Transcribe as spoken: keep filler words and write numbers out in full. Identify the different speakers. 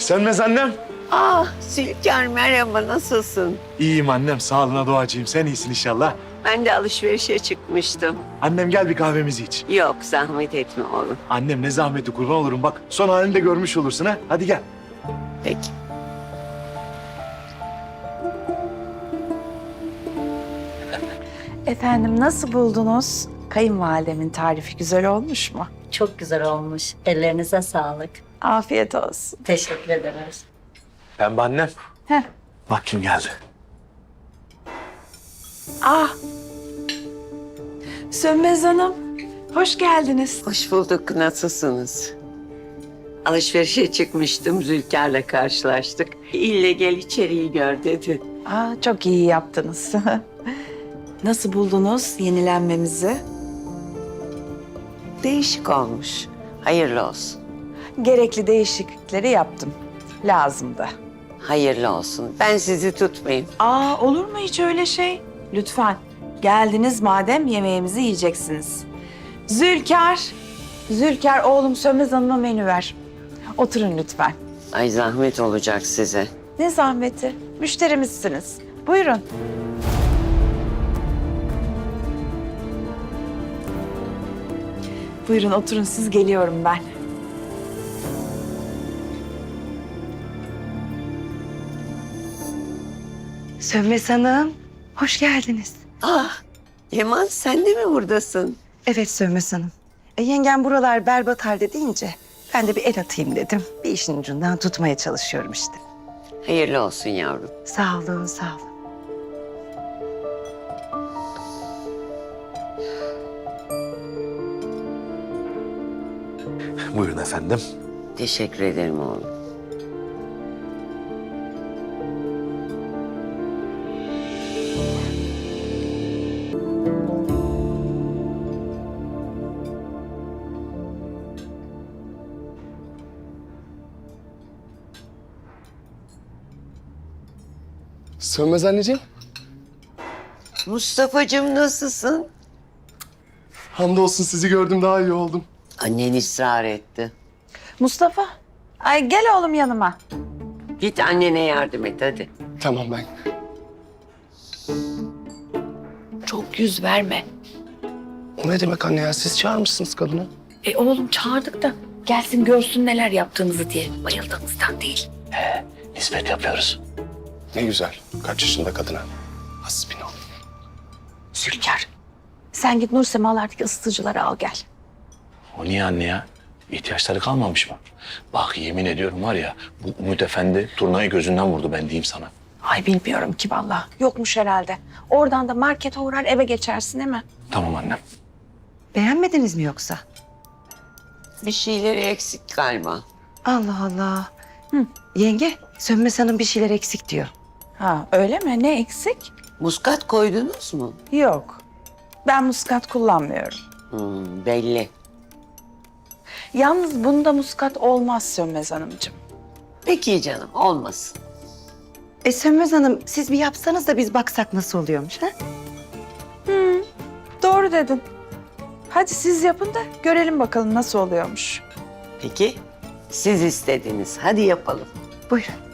Speaker 1: Sönmez annem.
Speaker 2: Ah Zülker merhaba, nasılsın?
Speaker 1: İyiyim annem, sağlığına duacıyım. Sen iyisin inşallah.
Speaker 2: Ben de alışverişe çıkmıştım.
Speaker 1: Annem gel bir kahvemizi iç.
Speaker 2: Yok zahmet etme oğlum.
Speaker 1: Annem ne zahmeti, kurban olurum bak. Son halini de görmüş olursun ha. Hadi gel.
Speaker 2: Peki.
Speaker 3: Efendim nasıl buldunuz? Kayınvalidemin tarifi güzel olmuş mu?
Speaker 4: Çok güzel olmuş. Ellerinize sağlık.
Speaker 3: Afiyet olsun.
Speaker 4: Teşekkür ederiz.
Speaker 1: Pembe annem.
Speaker 3: Heh.
Speaker 1: Bak kim geldi.
Speaker 3: Ah! Sönmez Hanım, hoş geldiniz.
Speaker 2: Hoş bulduk, nasılsınız? Alışverişe çıkmıştım, Zülker'le karşılaştık. İlle gel içeriği gör dedi.
Speaker 3: Aa, çok iyi yaptınız. Nasıl buldunuz yenilenmemizi?
Speaker 2: Değişik olmuş. Hayırlı olsun.
Speaker 3: Gerekli değişiklikleri yaptım. Lazımdı.
Speaker 2: Hayırlı olsun. Ben sizi tutmayayım.
Speaker 3: Aa, olur mu hiç öyle şey? Lütfen. Geldiniz madem yemeğimizi yiyeceksiniz. Zülker, Zülker oğlum Sönmez Hanım'a menü ver. Oturun lütfen.
Speaker 2: Ay zahmet olacak size.
Speaker 3: Ne zahmeti? Müşterimizsiniz. Buyurun. Buyurun oturun, siz geliyorum ben.
Speaker 5: Sönmez Hanım, hoş geldiniz.
Speaker 2: Ah, Yaman sen de mi buradasın?
Speaker 5: Evet Sönmez Hanım. E, yengem buralar berbat halde deyince ben de bir el atayım dedim. Bir işin ucundan tutmaya çalışıyorum işte.
Speaker 2: Hayırlı olsun yavrum.
Speaker 5: Sağ olun, sağ olun.
Speaker 1: Buyurun efendim.
Speaker 2: Teşekkür ederim oğlum.
Speaker 6: Sönmez anneciğim.
Speaker 2: Mustafa'cığım nasılsın?
Speaker 6: Hamdolsun sizi gördüm daha iyi oldum.
Speaker 2: Annen ısrar etti.
Speaker 3: Mustafa, ay gel oğlum yanıma.
Speaker 2: Git annene yardım et hadi.
Speaker 6: Tamam ben.
Speaker 3: Çok yüz verme.
Speaker 6: O ne demek anne ya? Siz çağırmışsınız kadını.
Speaker 3: E oğlum çağırdık da gelsin görsün neler yaptığımızı diye. Bayıldığımızdan değil.
Speaker 6: Nispet yapıyoruz. Ne güzel. Kaç yaşında kadına? Hasbinallah.
Speaker 3: Zülker, sen git Nur Semalardaki ısıtıcıları al gel.
Speaker 7: O niye anne ya? İhtiyaçları kalmamış mı? Bak yemin ediyorum var ya bu Umut Efendi turnayı gözünden vurdu ben diyeyim sana.
Speaker 3: Ay bilmiyorum ki vallahi. Yokmuş herhalde. Oradan da markete uğrar eve geçersin değil mi?
Speaker 7: Tamam annem.
Speaker 5: Beğenmediniz mi yoksa?
Speaker 2: Bir şeyleri eksik galiba.
Speaker 5: Allah Allah. Hı. Yenge, Sönmez Hanım bir şeyler eksik diyor.
Speaker 3: Ha öyle mi? Ne eksik?
Speaker 2: Muskat koydunuz mu?
Speaker 3: Yok. Ben muskat kullanmıyorum.
Speaker 2: Hmm, belli.
Speaker 3: Yalnız bunda muskat olmaz Sönmez Hanımcığım.
Speaker 2: Peki canım, olmasın.
Speaker 5: E Sönmez Hanım, siz bir yapsanız da biz baksak nasıl oluyormuş ha?
Speaker 3: Doğru dedin. Hadi siz yapın da görelim bakalım nasıl oluyormuş.
Speaker 2: Peki, siz istediniz. Hadi yapalım.
Speaker 5: Buyurun.